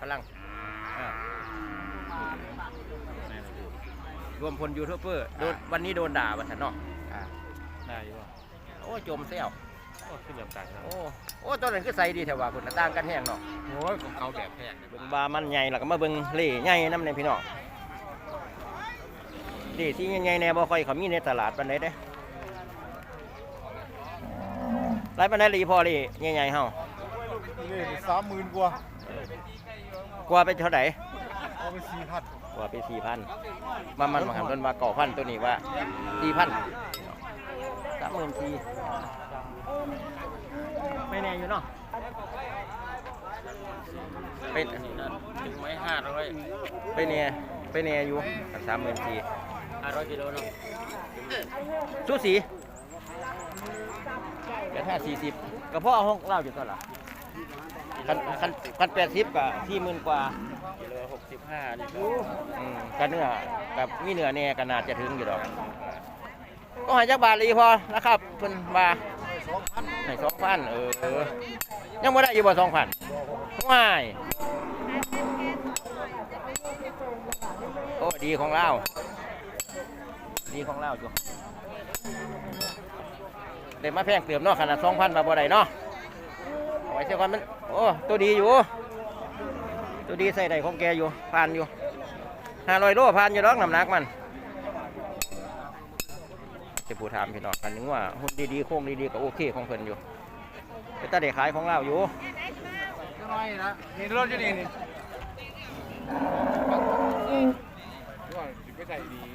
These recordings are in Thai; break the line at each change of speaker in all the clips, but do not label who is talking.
พลังรวมพลยูทูบเบอร์วันนี้โดนด่าบัตรเนาะ
ได้อยู่
โอ้จมเซี่ยว
โอ้ขึ้นแบบกัน
โอ้ตอนนั้นคือใส่ดีแถวว่าคุณต่างกันแห้งเนาะ
โอ้ยของเขาแบบแพง
เบิ่งบามันใหญ่แล้วก็มาเบิ่งเล่ใหญ่น้ำในพี่น้องดีที่ใหญ่ๆแน่บ่ค่อยเขามีในตลาดปานใดเด้ไรปานใดลีพอลีใหญ่ๆเฮา
นี่30,000กว่า
ไปเท่าไหร่
เอาไป4,000
กว่าไป4,000มันหันต้นมาก่อพันตัวนี้ว่า4,000 34,000ไม่แน่อยู่เนาะเป็น
ถึงไหม500
ไปแน่อยู่34,000
500กิโลเนาะ
สู้สีแค่40ก็เพราะห้องเล่าอยู่ตลอดคัน80กับ40,000กว่า
กิโล65นี่
กันเนื้อกับมีเนื้อแน่ก็น่าจะถึงอยู่ดอกก็ให้จักบาทลีพอนะครับเพิ่นว่า2,000ให้ 2,000ยังบ่ได้อยู่บ่ 2,000ว้ายโอ้ดีของเราอยู่เดี๋ยวมาแพงเติมเนาะขนาด 2,000 บาทบ่ได้เนาะเอาไว้เสียก่อนมันโอ้ตัวดีอยู่ตัวดีใส่ได้ของแกอยู่ผ่านอยู่500 โลผ่านอยู่ดอกน้ำหนักมันจะพูดถามพี่น้องกันนึงว่าหุ่นดีๆโค้งดีๆก็โอเคของเพิ่นอยู่แต่ตาเด็กขายของเราอยู่
น้อยนะนี่รถอยู่นี่ไม่ใส่ดี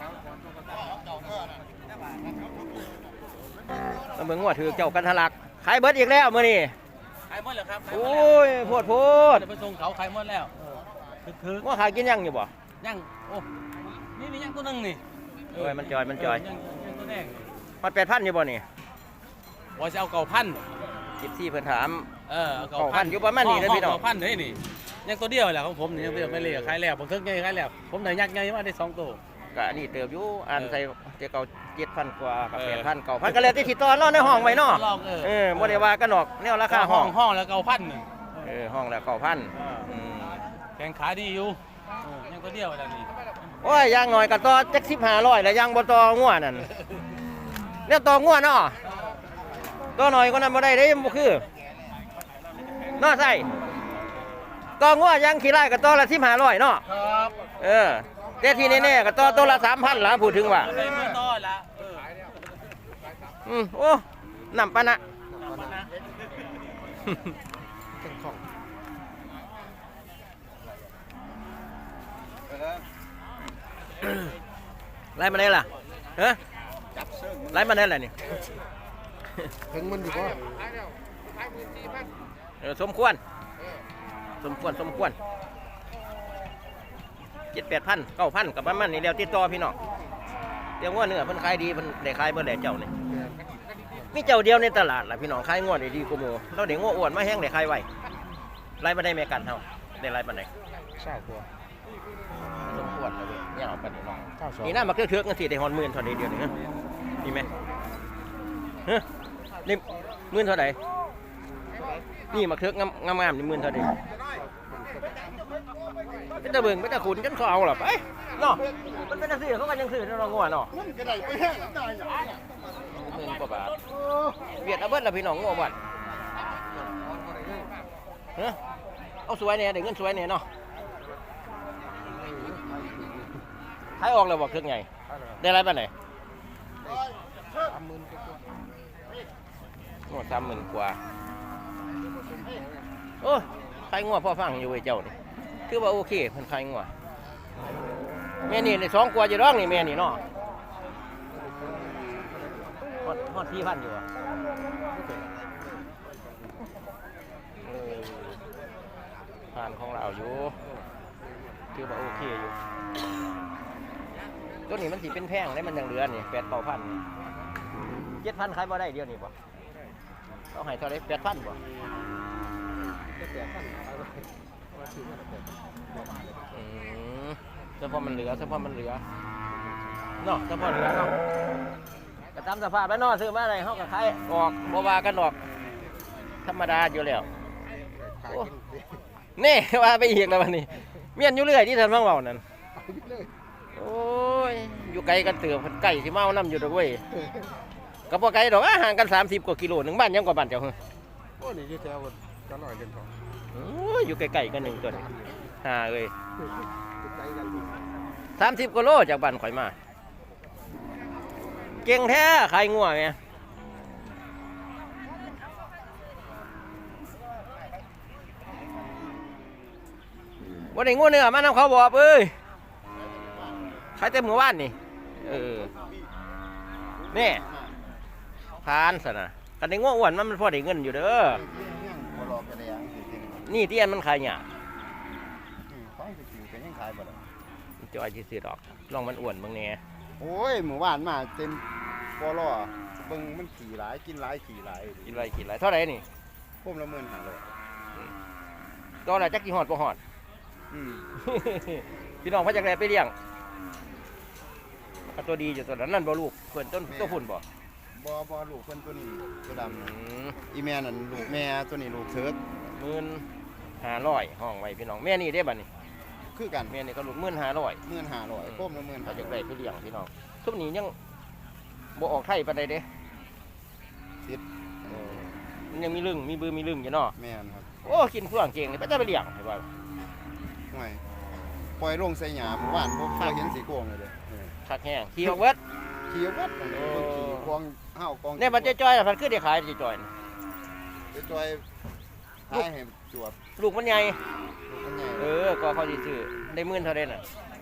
มาเบิ่งว่าถือเจ้ากันทะลักขายเบิดอีกแล้วมื้อนี้
ขายหมดแล้วครับ
โอ้ยโพด
ไปส่งเขาขายหมดแล้วคือ
ว่าขายกินยังอยู่บ่
ยังโอ้นี่มียังตัวนึงนี่
โอ้ยมันจอย
ยังตัวแดง
ฮอด 8,000 อยู่บ่นี่
ว่าจะเอา9,000
14เพิ่นถาม
9,000
อยู่ประมาณนี้เด้อพี่น้อง
9,000เด้นี่ยังตัวเดียวแหละของผมนี่ยังไม่เลยขายแล้วผมถึงใหญ่ขายแล้วผมได้ยักษ์ใหญ่มาได้2ตัว
ก็อันนี้เติบอยู่อันใส่เก่า 7,000 กว่ากับ 8,000 9,000ก็แล้วแต่ที่ต่อเนาะในห้องไว้เนาะบ่ได้ว่ากันดอกแนวราคาห้
องแล้ว9,000นึง
ห้องแล้ว 9,000
แข่งขาดีอยู่ยังตัวเดียวแล้วนี่
โอ้ยย่างหน่อยก็ต่อจัก1500แล้วย่างบ่ต่องัวนั่นแนวต่องัวเนาะต่อหน่อยก็นั้นบ่ได้เด้บ่คือเนาะใส่ต่องัวย่างขี้ไร่ก็ต่อละ1500เนาะ
ครับ
แต่ที่แน่ๆก็ต่อตัวละ 3,000 ล่ะพูดถึงว่า
ต่อละ
โอ้น้ำปะนะไล่มาได้ล่ะไล่มาได้แหละนี่
ถึงมันอยู่ป่ะ
สมควร7,000-8,000 9,000กับประมาณนี้แล้วติดต่อพี่น้องเดี๋ยวว่าเนื้อเพิ่นขายดีเพิ่นได้ขายเบิ่แล้วเจ้านี่มีเจ้าเดียวในตลาดล่ะพี่น้องขายงวดได้ดีกว่าหมู่เราได้งวดอ้วนมาแห้งได้ขายไว้ไล่มาได้แม่กันเฮาได้ไล่ปานใด
20,000กว่า
สมควรแล้วเว้ยเนี่ยเอาปานนี้น้องนี่น่ามาเทือกๆจังซี่ได้ฮอด10,000เท่าใดเดียวนี่มีมั้ยนี่10,000เท่าใดนี่มาเทือกงามๆนี่10,000เท่าใดเป็นตะเบิ่งเป็นตะขุนจนเขาเอาล่ะไปเนาะมันเป็นจังซี่เขาก็ยังซื้อเนาะงัวเนาะ
มันก็ได้ไปแห้งได้หยัง
10,000 กว่าบาทเวียดเอาเบิดล่ะพี่น้องงัวบัดเอาสวยแน่ได้เงินสวยแน่เนาะขายออกแล้วบ่เครื่องใหญ่ได้ไรปานไหน30,000 กว่าโอ้ขายงัวพอฟังอยู่เว้ยเจ้านี่คือว่าโอเคเพิ่นขายงัวแม่นี่ได้2 กว่าอยู่ดอกนี่แม่นี่เนาะฮอด 4,000 อยู่อ่ะผ่านของเราอยู่คือว่าโอเคอยู่ตัวนี้มันสิเป็นแพงได้มันยังเหลือนี่ 8,000-9,000 7,000ขายบ่ได้เดียวนี่บ่เอาให้เท่าไหร่ 8,000 บ่เฉพาะมันเหลือเนาะเฉพาะเหลือเนาะก็ตามสภาพแล้วเนาะซื้อมาได้เฮาก็ขายออกบ่ว่ากันดอกธรรมดาอยู่แล้วนี่ว่าไปอีกแล้ววันนี้เมียนอยู่เรื่อยที่ท่านฟังเว้านั่นโอ้ยอยู่ไกลกันเตือไก่สิเมาน้ำอยู่ดอกเว้ยก็บ่ไกลดอกห่างกัน30 กว่ากิโลหนึงบ้านยังกว่าบ้านเจ้า
โอ้นี่อยู่แถวก็ลอยเล่นทอง
โอ้ยอยู่ไกลๆกันหนึ่งตัวนี่หาเอ้ย
ไกลกันอยู่
30 กว่าโลจากบ้านข่อยมาเก่งแท้ขายงัวแม่วันนี้งัวเนื้อมานำเขาบอกเอ้ยขายเต็มหมู่บ้านนี่นี่พานสนะกันในงัวอ้วนมันพอได้เงินอยู่เด้อ
บ่รอกันแล้วสิ
นี่ที่อันมันขายหยา
ของสิกินก็ยังขายบ่ล่ะ
จอยที่ซื้อดอกลองมันอ้วนบางแหน่
โอ้ยหมู่บ้านมาเต็มบ่รอเบิ่งมันขี่หลายกินหลายขี่หลาย
กินไรกินไรเท่าไหร่นี่
พุ่มละ15,000
ตัวอะไรจักกี่หอดบ่หอด
อืม
พี่น้องพระจักรแลไปเลี้ยงเอาตัวดีอยู่ตัวนั้นนั่นบ่ลูกเพิ่นต้นตัวฝุ่นบ่
บ่ลูกเพิ่นตัวนี้ตัวดำอีแม่นั่นลูกแม่ตัวนี้ลูกเถิก
15,500ห้องไว้พี่น้องแม่นี่ได้บัดนี้
คือกัน
แม่นี่ก็ลูก15,000
15,000พุ่มละ
พระจักรแล
15,000
ไปเลี้ยงพี่น้องทุกนี้ยังบ่ออกไทยปานใดเด้
ติด
มันยังมีลึงมีบือมีลึงอยู่เนาะ
แม่นครับ
โอ้กินเฟื่องเก่งนี่ไปจะไปเลี้ยงให้ว่า
ห่วยปล่อยลงใส่หญ้าหมู่บ้านบ่เคยเห็นสีโกงเลยเด้อ
คักแห้งขี่ออกเบิด
ขี่วัดนั่นเด้อขี่กองห้าวกอง
เนี่ยมันจะจ้อยๆมันคือได้ขายจะจ้อยน่ะ
จะจอยขายให้จวบ
ลูกมันใหญ่
ลูกมันใหญ่
ก็เขาสิซื้อได้หมื่นเท่าใดน่ะ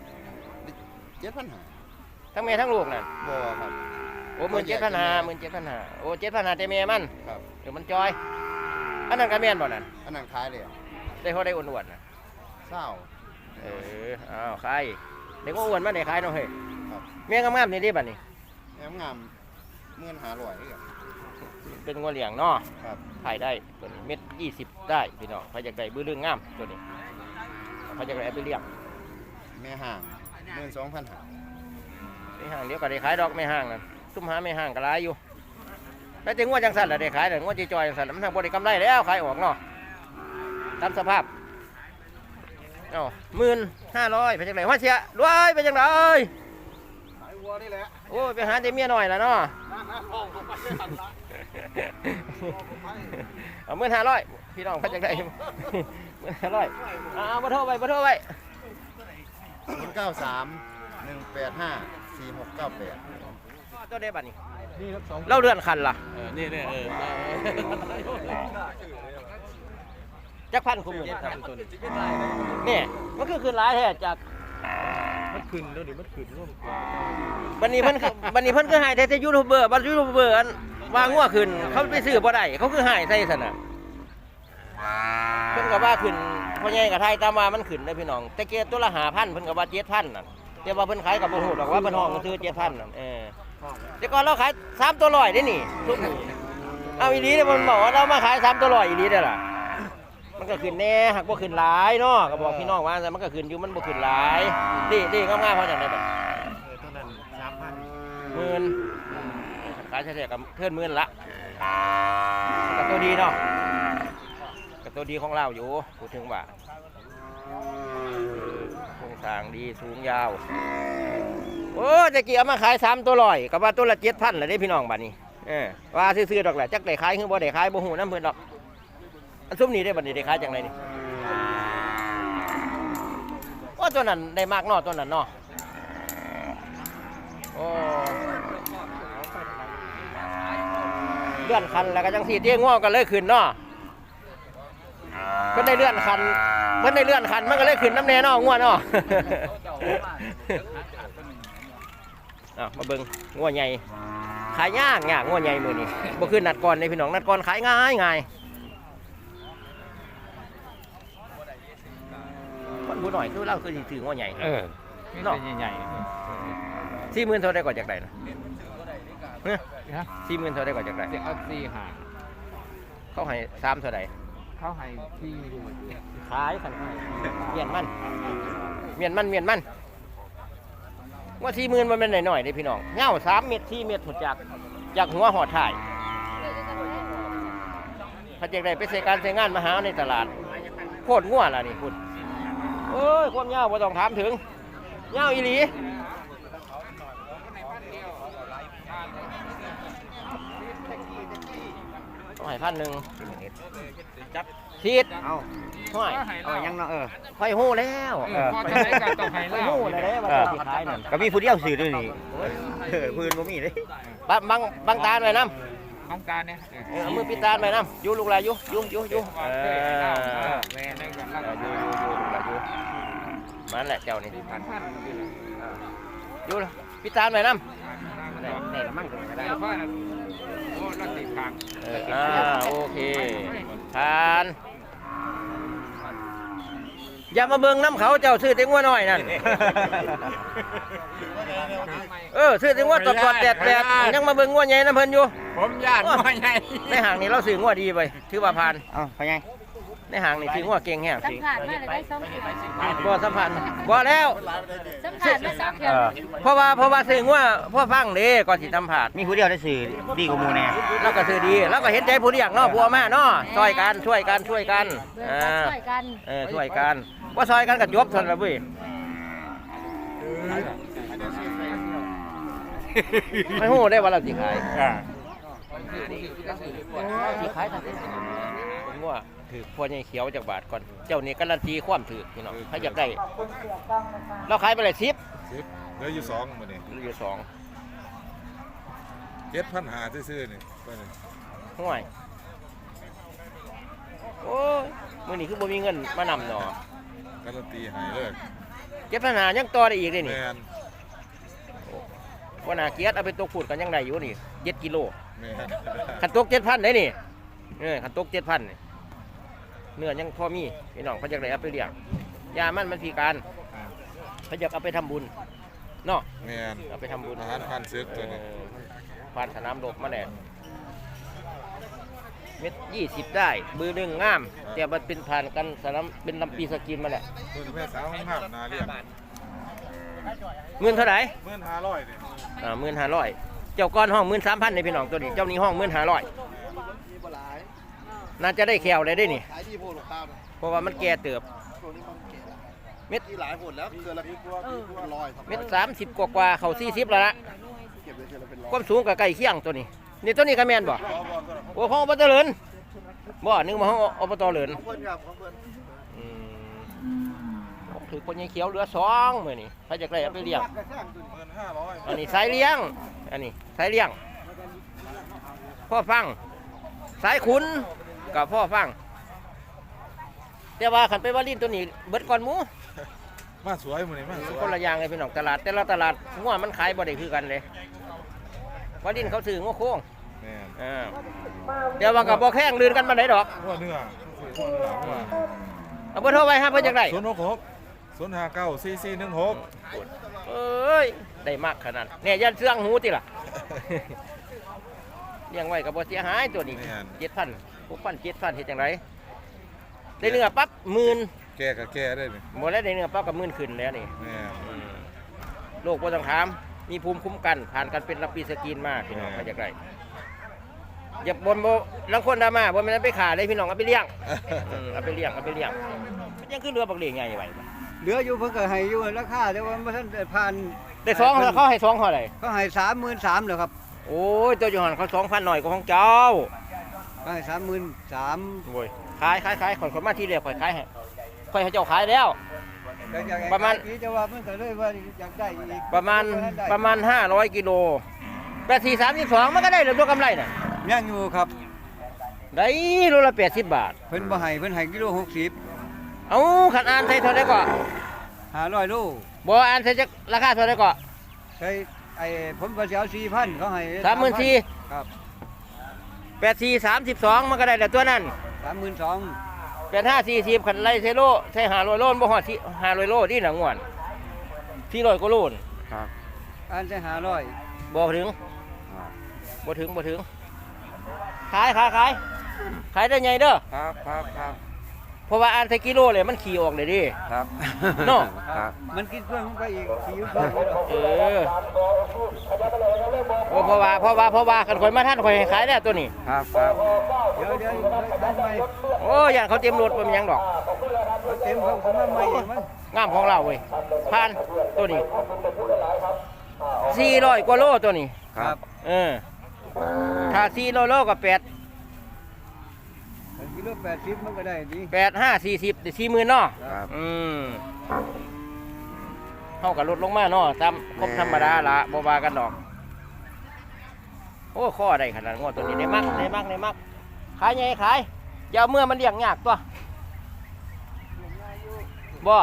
7,500
ทั้งแม่ทั้งลูกน่ะ
บ่ครับ
โอ้17,500โอ้7,500แต่แม่มัน
ครับ
มันจอยอันนั้นก็แม่นบ่นั่น
อันนั้นขายเลย
ได้พอได้อ้วนๆน่ะ
เศร้า
อ้าวขายเด็กอ้วนมาได้ขายเนาะเฮ้ย
ครับ
แม่งามๆนี่ดิบัดนี้
แอมงาม15,500นี่ครับ
เป็นงัวเลี้ยงเนาะ
ครับ
ขายได้ตัวนี้เม็ด20ได้พี่น้องใครอยากได้บื้อเรื่องงามตัวนี้ใครอยากได้เอาไปเลี้ยง
แม่ห่าง12,500
ไม่ห่างเดี๋ยวก็ได้ขายดอกไม่ห่างนั่นซุ่มหาไม่ห่างก็หลายอยู่แล้วจะงัวจังสันล่ะได้ขายแต่งัวจีจอยจังสันมันทางบ่ได้กำไรแล้วขายออกเนาะตามสภาพเอ้า15,000ไปจังไรว่าเสียรวยไปจังไร
ขายวัวนี่แหละ
โอ้ยไปหาแต่เมียหน่อยล่ะเนาะ
ห้องผมไปได้หันละ
เอา15,000พี่น้องไปจังไร15,000เอาบ่โทรไป
093 185 4698
ตัวได้บัดนี้
นี่ครับ2
เราเลื่อนคันล่ะ
นี่
จักพันคุมอยู่นี่มันคือคืนร้ายแท้จาก
มันขึ้นแล้วนี่มันขึ้นร่วม
บันนี้เพิ่นคือหายแต่ยูทูบเบอร์บันยูทูบเบอร์อันวางงัวขึ้นเขาไปซื้อบ่ได้เขาคือหายใส่ซั่นน่ะเพิ่นก็ว่าขึ้นพ่อใหญ่กับไทยตามมามันขึ้นได้พี่น้องแต่เกตัวละ5,000เพิ่นก็ว่า7,000นั่นแต่ว่าเพิ่นขายกับบ่ฮู้ดอกว่าเพิ่นห้องซื้อ7,000นั่นแต่ก่อนเราขาย3ตัว100ได้นี่ทุกนี้เอาอีหลีเด้มันบอกว่าเรามาขาย3ตัว100อีหลีเด้อล่ะมันก็ขึ้นแน่หากบ่ขึ้นหลายเนาะก็บอกพี่น้องว่าแต่มันก็ขึ้นอยู่มันบ่ขึ้นหลายดีงามๆเพราะจังได๋บัด
เท่านั้น3,000
หมื่นขายเฉลี่ยกับเพื่อนหมื่นละกับตัวดีเนาะกับตัวดีของเราอยู่พูดถึงว่าโครงสร้างดีสูงยาวโอ้จะเกี่ยวมาขาย3ตัว100กับว่าตัวละ7,000เลยได้พี่น้องบัดนี้ว่าซื้อๆดอกแหละจักได้ขายคือบ่ได้ขายบ่ฮู้นำเพิ่นดอกอันซุ่มนี้ได้บัดนี้ได้ขายจังไดนี่โอ้ตัวนั้นได้มากเนาะตัวนั้นเนาะโอ้เลื่อนคันแล้วก็จังสีเตี้ยง่วงกันเลยขึ้นเนาะเพิ่นได้เลื่อนคันมันก็เลยขึ้นน้ำแน่เนาะง่วงเนาะ มาเบิ่งง่วงใหญ่ขายยากง่วงใหญ่มื้อนี้บ่คือนัดก่อนเลยพี่น้องนัดก่อนขายง่ายคนผู้หน่อยคือเราคือสิถือง่วงใหญ่เนาะใหญ่40,000เท่าได้ก่อนจากใดนะ40,000เท่าได้ก่อนจากใด
เอา4 หา
เขาให้3เท่าใด
เขาให้ที่ดู
ขายขันขายเมียนมันว่า40,000มันเป็นหน่อยๆเด้พี่น้องเงา3 เม็ด4 เม็ดหมดจากหัวหอดถ่ายถ้าจากใดไปใส่การใส่งานมาหาในตลาดโคตรงัวล่ะนี่คุณเอ้ยความยาวบ่ต้องถามถึงยาวอีหลีต้องให้1,000จับทีด
เอา
ห้อย
เอายังเนาะ
ไฟหู้แล้ว
พอจะได้กันต้องให้
ไฟ
แล้ว
หู้แล้วเด้ว่าจะสิขายนั่น
ก็มีผู้เดียวซื้อด้วยนี่พื้นบ่มีเลย
บังตาหน่อยน้
ต้องการเนี่ย
ำเอามือปิดตาหน่อยน้ำอยู่ลูกหลานอยู่
แม่ได้กันแล้ว
อยู่ลูกหลานอยู่มันแหละเจ้านี่
พัน
อยู่ปิดตาหน่อยน้ำ
ได้ละมั่งก็ได้เพราะโอ้รักติดทาง
โอเคทานอย่ามาเบิ่งน้ำเขาเจ้าซื้อเต็งว่าน้อยนั่นซื้อเต็งว่าตอดแดดยังมาเบิ่งว่าใหญ่น้ำเพิ่นอยู่
ผมญาติน้อยใหญ่
ในห่างนี่เราซื้องัวดีไปถือว่าผ่าน
เอ้าไปไง
ในห่างนี่ซื้องัวเก่งแฮง
สัมผัสมาเลยได้2
บ่สัมพันธ์บ่แล้ว
สัมผัสมา2เทื่อ
เพราะว่าซื้องัวพ่อฟังเด้ก่อนสิสัมผัส
มีผู้เดียวได้ซื้อดีกว่าหมู่แน่
เราก็ซื้อดีเราก็เห็นใจผู้เลี้ยงเนาะผัวมาเนาะช่วยกัน
เบิ่งกันช่วยกัน
ช่วยกันว่าซอยกันก็จบซั่นล่ะเว้ยไม่ฮู้ได้ว่าเราสิขายสิขายทันทีผมว่าถือพวกใหญ่เขียวจากบาทก่อนเจ้านี่การันตีความถือพี่น้องถ้าอยากได้เราขายไปเลย10
เหลืออยู่2มื้อนี้
เหลืออยู่
7,500ซื่อๆนี่ไปนี่
2ห่วยโอ้ยมื้อนี้คือบ่มีเงินมานำเนาะ
การันตีให้เลย
7,500ยังต่อได้อีกเด้นี่
แม่น
ว่าน่าเกลียดเอาไปตกพูดกันยังได้อยู่นี่7กิโล
แม่น
ขันตก 7,000ได้นี่ขันตก 7,000นี่เนื้อยังพอมีพี่น้องเขาอยากได้เอาไปเลี้ยงยามันพิการเขาอยากเอาไปทำบุญเนาะ
แม่น
เอาไปทำบุญ
อาหารพันซึกตัวนี้
ผ่านสนามรบมาแน่เม็ด20ได้มือหนึ่งงามแต่มันเป็นผ่านกันสนามเป็นลำปีสกินมาแหละ
ตัวนี้แม่สาวของห้ามนาเรียก
เงินเท่าไหร่
15,500นี่
15,000เจ้าก้อนห้อง13,000ในพี่น้องตัวนี้เจ้านี้ห้อง15,000น่าจะได้แขวเลยได้นี่
ขายดีโพดหรอกข้าวนะ
เพราะว่ามันแก่เติบ
ตัวนี้มันเก๋ละ
เม็ด
ที่หลายผลแล้วเกินละร้อยครับ
เม็ด30กว่าเขา40แล้วละ
เก็บเลยเกินละเป็นร้อย
ความสูงกับใกล้เคียงตัวนี้นี่ตัวนี้ก็แม่นบ่โอ้ของอบตเหลินบ่นึกมาของอบตเหลิน
ของเพื่อนครับของเพื่อน
ถือคนยังเขียวเหลือ2มื้อนี้ถ้าจะได้เอาไปเลี้ยง
15,000
อันนี้สายเลี้ยงอันนี้สายเลี้ยงพ่อฟังสายขุนกับพ่อฟังแต่ว่าขันไปว่าลิ้นตัวนี้เบิดก่อนหมู
มาสวยมื้อนี้มาสวย
คนละอย่างเลยพี่น้องตลาดแต่ละตลาดงัวมันขายบ่ได้คือกันเลยว่าลิ้นเขาซื้องัวโค้ง
แม่น
เดี๋ยวว่ากับบ่แข้งลื่นกันมาได้ดอก
หัวเนื้อ
เอาเบอร์โทรไว้ฮะเพื่อจักได้
066 059 4416
เอ้ยได้มากขนาดเนี่ยยันเสื่องหูติล่ะ เลี้ยงไว้กับบ่เสียหายตัวนี้7,000 6,000 7,000เฮ็ดจังไดได้เนื้อปั๊บ10,000
แก่ก็แก่ได้นี่
บ่ได้เนื้อปั๊บกับ10,000ขึ้นแล้วนี่
แม่น
โรคบ่ต้องถามมีภูมิคุ้มกันผ่านการเป็นลำปีสกินมาพี่น้องเฮ็ดจังไดอย่าบ่นบ่ลังคนดราม่าบ่แม่นไปฆ่าเลยพี่น้องเอาไปเลี้ยงเอาไปเลี้ยงมันยังคือเรือบักเหลียงใหญ่ไว้
เหลืออยู่เพิ่นก็ให้อยู่ราคาแต่ว่าบ่ทันได้ผ่าน
ได้2เขาให้2เท่าไหร่
เขาให้33,000แล้วครับ
โอ้ยตัวอยู่หันเขา2,000หน่อยกว่าของเจ้า
เขาให้33,000
โอ้ยขายข่อยมาที่เรียกข่อยขายให้ข่อยให้เจ้าขายแล้ว ประมาณ
จะว่ามันก็เลยว่าอยากได้อีก
ประมาณ500กิโล84 32มันก็ได้แล้วตัวกำไรน่ะ
ยังอยู่ครับ
ได้โลละ80 บาท
เพิ่นบ่ให้เพิ่นให้กิโล60
เอ้าคันอ่านใส่เท่าใดก็
500โล
บ่อ่านใส่จักราคาเท่าใดก็
ใช้ไอ้ผมก็สิเอา4,000เขาให้
34,000
ครับ
84 32มันก็ได้แล้วตัวนั้น
32,000
85 40คันไล่ใส่โลใส่500โลบ่ฮอดที่500โลนี่น่ะง่วน400กว่าโลน
ครับอันใช้500
บ่ถึงบ่ถึงขายได้ไงเด้อ
ครับ
เพราะว่าอ่านใส่กิโลเลยมันขี่ออกเลยดิ
ครับ
เนาะ
ครับมันกินเพื่อนมันไปอีกขี่เพื่อน
โอ้เพราะว่ากันข่อยมาท่านข่อยให้ขายแล้วตัวนี้
ครับครับเดี๋ยวทำไม
โอ้ย่านเขาเต็มรถบ่มีหยังดอก
เต็มเขาทำไมอีกมั้ง
งามของเราเว้ยผ่านตัวนี้400กว่าโลตัวนี้
ครับ
ถ้า400โลก็8
กิโล80มันก็ได้ดี
8 5 40ได้40,000เนาะ
ครับ
เฮาก็ลดลงมาเนาะตามครบธรรมดาละบ่ว่ากันดอกโอ้ข้อได้ขนาดงวดตัวนี้ได้มักขายใหญ่ขายอย่าเอาเมื่อมันเลี้ยงยากตัวบ่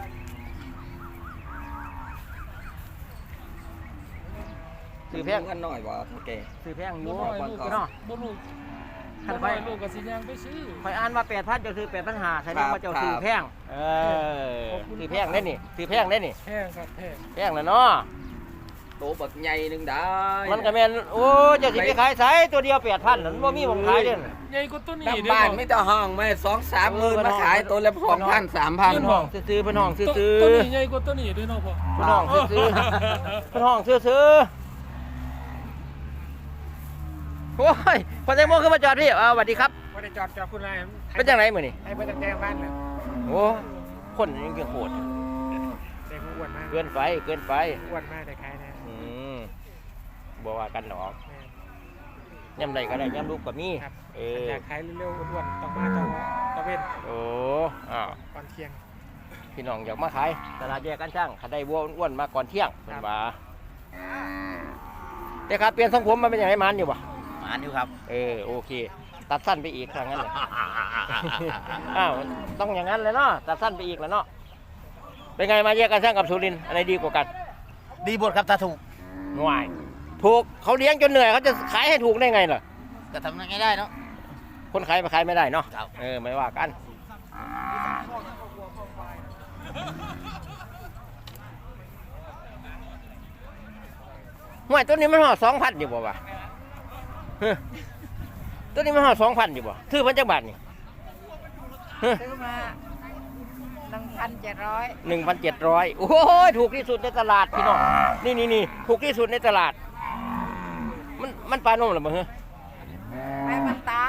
ซื้อแพง
กันหน่อยว่าโอเค
ซื้อแพงอยู่
บ่ลูกก็
เนาะ
บ่ลูก
คัน
ไป
ไป
ลูกก็สิย่างไปซื้อ
คอยอ่านว่า8,000จะซื้อ8,500แสดงว่าเจ้าซื้อแพงซื้อแพงได้นี่ซื้อแพงได้นี่
แพงครับแพง
แพงแล้วเนาะ
โตบักใหญ่นึงได้
มันก็แม่นโอ้เจ้าสิไปขายไสตัวเดียว8,000นั่นบ่มีหม้องขายเด้อ
ใหญ่กว่าตัวนี้
น้ำบ้านไม่ต้องห้องไม่2-3 หมื่นมาขายตัวละ2,000 3,000
เพิ่นห้องซื้อๆเพิ่นห้องซื้อ
ตัวนี้ใหญ่กว่าตัวนี้ด้วยเนาะพ่อ
เพิ่นห้องซื้อเพิ่นห้องซื้อโอ้ยพอแตงโมขึ้นมาจอดพี่สวัสดีครับ
บ่ได้จอดคุณนาย
เป็นจังไดมื้อนี้
ให้เพิ่นแต่งบ้านน่ะ
โอ้คนยังเก่งโหด
แต่อ้วนมาก
เกินไป
อ้วนมากแต่ขายนะ
บ่ว่ากันหรอกย่ำใดก็ได้ย่ำลูกก็มี
ครับอยากขายเร็วๆอ้วนๆต้องมาตะเวน
โอ้อ้าว
ก่อนเที่ยง
พี่น้องอยากมาขายตลาดแยกกันช่างขันได้วัวอ้วนๆมาก่อนเที่ยงเป็นว่าแต่ครับเปลี่ยนทรงผมมันเป็นอย่างไรมันอยู่ปะ
มันอยู่ครับ
โอเค ตัดสั้นไปอีกทางนั้นเลย อ้าวต้องอย่างนั้นเลยเนาะตัดสั้นไปอีกแล้วเนาะเป็นไงมาแยกกันช่างกับสุรินทร์อะไรดีกว่ากัน
ดีบทครับตาถูก
หน่วยถูกเขาเลี้ยงจนเหนื่อยเขาจะขายให้ถูกได้ไงล่ะ
ก็ทำยังไงได้เนาะ
คนขายมาขายไม่ได้เนาะ
ครับ
ไม่ว่ากันห่วยตัวนี้มันห่อ2,000อยู่บ่วะเฮ้ยตัวนี้มันห่อ2,000อยู่บ่ถือพันจักบาทนี่เฮ้ย
ซื้อมา1,700
1,700โอ้ยถูกที่สุดในตลาดพี่น้องนี่ถูกที่สุดในตลาดมันปลาโนมหรือเปล่าเฮ้ย
แม่มันตาย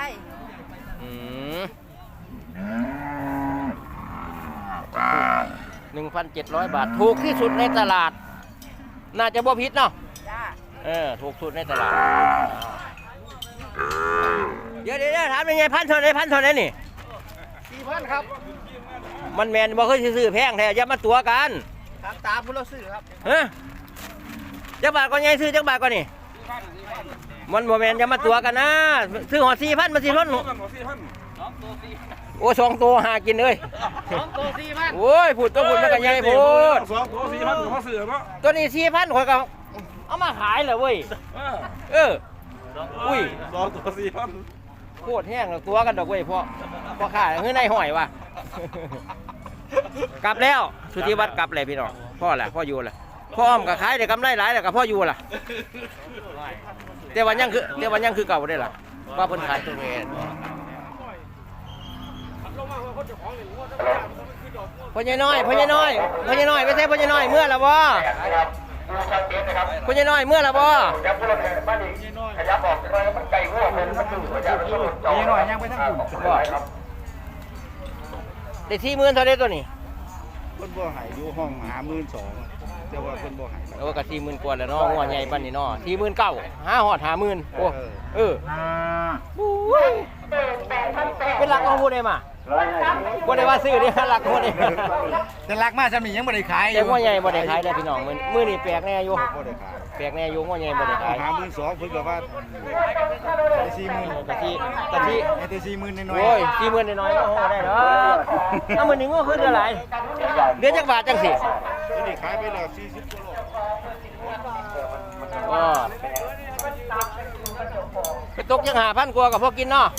1,700 บาทถูกที่สุดในตลาด น่าจะบ่ผิดเนาะ
จ้า
ถูกสุดในตลาดเดี๋ยวถามยังไงพันเท่าไหร่นี่
4,000ครับ
มันแมนบ่เคยซื้อแพงแท้อย่ามาตัวกัน
ครับตามผู้เราซื้อครับ
ฮะจักบาทก่อนยังซื้อจักบาทก่อนนี่มันบ่แมนอย่ามาตัวกันนะซื้อหอ4,000มาสิทนโอ้2ตัวหากินเลย2ตัว4,000โอ้ยพูดมันก็ใหญ่พูด
2 ตัว 4,000ผมมาซื้อเนาะ
ตัวนี้4,000ข่อยก็เอามาขายเลยเว้ยอุ้ย
2 ตัว 4,000
โคตรแห้งแล้วตัวกันดอกเว้ยพ่อข้าเฮ้ยนายหอยว่ะ กลับแล้วสุธิวัฒน์กลับเลยพี่น้องพ่ออยู่แหละพ่ออ้อมก็ขายได้กำไรหลายแล้วก็พ่ออยู่ล่ะแต่วันยังคือเก่าได้ล่ะว่าเพิ่นขายตัวเองพ่อใหญ่น้อยไปใช่พ่อใหญ่น้อยเมื่อละบ่พ่อใหญ่น้อยเมื่อละบ่
นี่หน่อยยังไปทั้งกลุ่ม
ได้40,000เท่าไดตัวนี้
เพิ่นบ่ให้อยู่ห้อง52,000แต่ว่าเพิ่นบ่ให้
โอ้ก็40,000กว่าแล้วเนาะงัวใหญ่ปานนี้เนาะ49,000หาฮอด50,000โอ้บุ้ยเป็นหลักของผู้ใดมาบ่ได้ว่าซื้อเด้หลักผู้ใด
แต่รักมากจำนี่ยังไม่ได้ขายอ
แต่
ยู่
งัวใหญ่บ่ได้ขายเด้อพี่น้องมื้อนี้แปลกแน่อยู่
บ่ได้ขาย
แปลกแน่อยู่งัวใหญ่บ่ได้ขาย
52,000เพิ่นก็ว่าได้40,000
กะทิ
ให้แต่40,000น้อย
โอ้ย40,000น้อยๆเนาะโหได้ดอกเอามื้อนี้งัวคือเท่าไหร่เดือนจักบาทจังสิ
ๆนี่ขายไปแล้ว40กว่าโล
ไปตกยัง5,000กว่ากับพวกกินเนาะ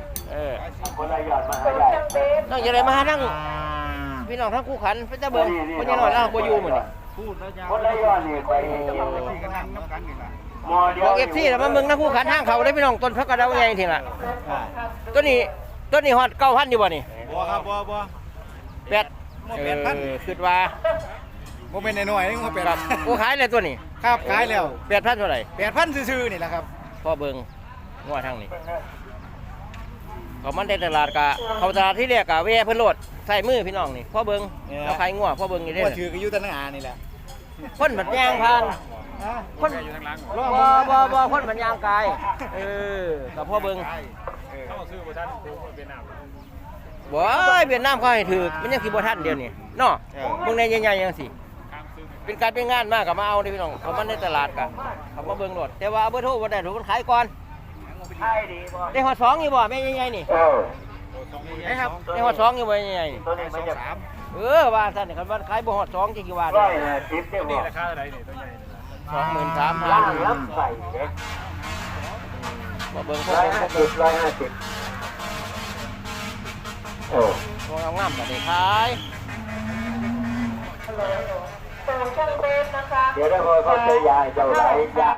น้องจะได้มานั่งพี่น้องทั้งคู่ขันพระเจ้าเบิ่งคนยังน้อยแล้วบ่อยู่มื้อนี้
พูดแล้วยาวที่กันนั่งน้ำกันนี่ล่ะ
บอก FC แล้วมาเบิ่งทั้งคู่ขันทางเขาได้พี่น้องต้นพักกระเดาใหญ่ทีล่ะตัวนี้ฮอด9,000อยู่บ่นี่
บ่บ่ครับบ่
แปดคิดว่า
บ่เป็นน้อยๆนี่บ่เป็น
ครับกูขายเลยตัวนี้
ครับขายแล้ว
8,000เท่าไหร่
8,000ซื่อๆนี่แหละครับ
พ่อเบิงงัวทางนี้เขามันในตลาดกะเขาตลาดที่เรียกกะเวเพิ่นโลดใส่มือพี่น้องนี่พ่อเบิงเราขายงัวพ่อเบิงอยู่เด้
บ่ถือก็อยู่แต่หน้านี่แหละ
คนบัดยางผ่านคนบ่คนบัดยางกายกับพ่อเบิงบ่เวียดนามเขาให้ถือมันยังสิบ่ทันเดียวนี่เนาะพวกในใหญ่ๆจังซี่เป็นการเป็นงานมากกับมาเอาเด้พี่น้องเขามันในตลาดกะเขามาเบิ่งโลดแต่ว่าเบอร์โทรบ่ได้ถูกคนขายก่อนได้ฮอด2อยู่บ่แม่ใหญ่ๆนี่ครับได้ฮอด2อยู่บ่ใหญ่ๆนี่ว่าซั่นนี่คันว่าขายบ่ฮอด2จังสิว่าได้นี่ราคาเท่าไหร่นี่ตัวใหญ่23,000ล้ำใส่เด้บ่เบิ่งพวกตัวงามๆก็ได้ขาย
เดี๋ยวได้พอเขาจะยายเจ้าไร